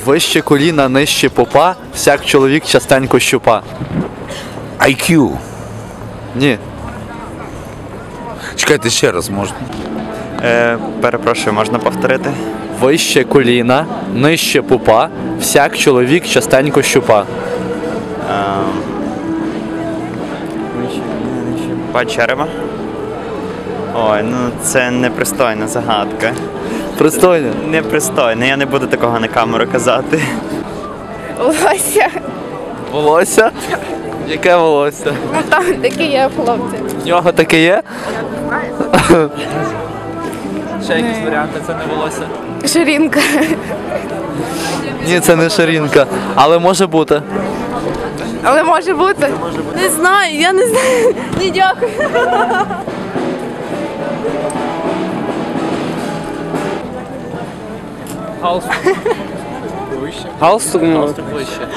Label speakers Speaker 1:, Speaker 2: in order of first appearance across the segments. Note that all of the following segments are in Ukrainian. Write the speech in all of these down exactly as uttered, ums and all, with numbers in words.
Speaker 1: Вище коліна, нижче попа, всяк чоловік частенько щупа.
Speaker 2: ай к'ю.
Speaker 1: Ні.
Speaker 2: Чекайте ще раз, можна?
Speaker 3: Е, перепрошую, можна повторити?
Speaker 1: Вище коліна, нижче попа, всяк чоловік частенько щупа.
Speaker 3: Па черева? Ой, ну це непристойна загадка.
Speaker 1: Пристойно.
Speaker 3: Непристойно, я не буду такого на камеру казати.
Speaker 4: Волосся.
Speaker 1: Волосся? Яке волосся?
Speaker 4: Ну там такі є хлопці.
Speaker 1: В нього таке є? Ще якісь варіанти, це не волосся?
Speaker 4: Ширинка.
Speaker 1: Ні, це не ширинка, але може бути.
Speaker 4: Але може бути. Не знаю, я не знаю. Не дякую.
Speaker 1: Галстук. Вище.
Speaker 5: Галстук, ну.
Speaker 1: Галстук вище.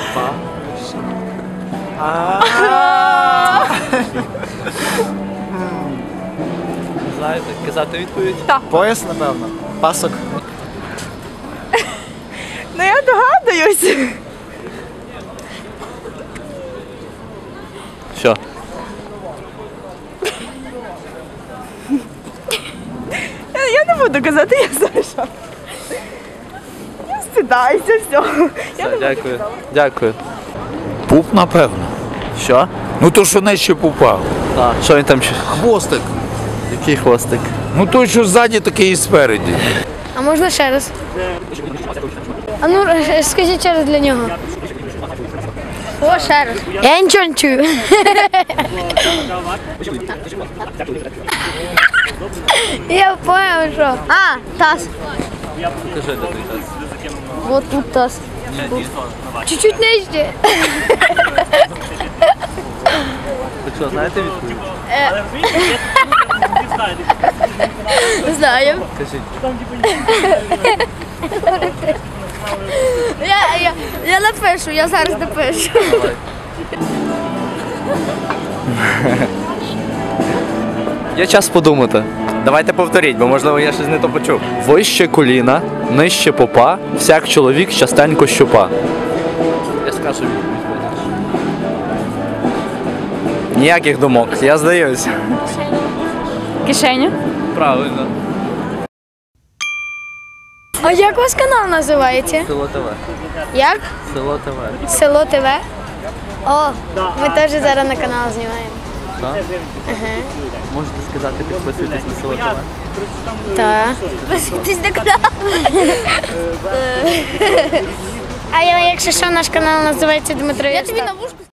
Speaker 1: Знаєте, казати відповідь?
Speaker 5: Пояс, напевно. Пасок.
Speaker 4: Ну я догадуюсь.
Speaker 1: Що?
Speaker 4: Я не буду казати, я знаю, що. Я стидаюся всього.
Speaker 1: Все, дякую. Дякую.
Speaker 2: Пуп, напевно.
Speaker 1: Що?
Speaker 2: Ну то, що нижче пупа.
Speaker 1: Так. Що він там ще?
Speaker 2: Хвостик.
Speaker 1: Який хвостик?
Speaker 2: Ну той, що ззаді, такий і спереді.
Speaker 6: А можна ще раз? А ну е, скажіть ще раз для нього. О, ще раз. Я нічого не чую. Я понял, що. А, таз.
Speaker 1: Покажи, де той таз.
Speaker 6: Вот тут таз. Чуть-чуть нижче.
Speaker 1: Ви що, знаєте відповідь?
Speaker 6: Знаю.
Speaker 1: Кажіть.
Speaker 6: Я, я, я напишу, я зараз напишу.
Speaker 1: Давай. Є час подумати.
Speaker 5: Давайте повторіть, бо можливо я щось не то почув.
Speaker 1: Вище коліна, нижче попа, всяк чоловік частенько щупа. Я скажу відповідь.
Speaker 5: Ніяких думок, я здаюсь.
Speaker 4: Кишеню.
Speaker 1: Правильно.
Speaker 6: А як ваш канал називається?
Speaker 1: Село ТВ.
Speaker 6: Як?
Speaker 1: Село ТВ.
Speaker 6: Село ТВ. О, ми теж зараз на канал знімаємо.
Speaker 1: Так?
Speaker 6: Ага.
Speaker 1: Можете сказати, підписуйтесь на село ТВ.
Speaker 6: Так. Підписуйтесь на канал. А я, якщо що, наш канал називається Дмитро. Я тобі на вушку.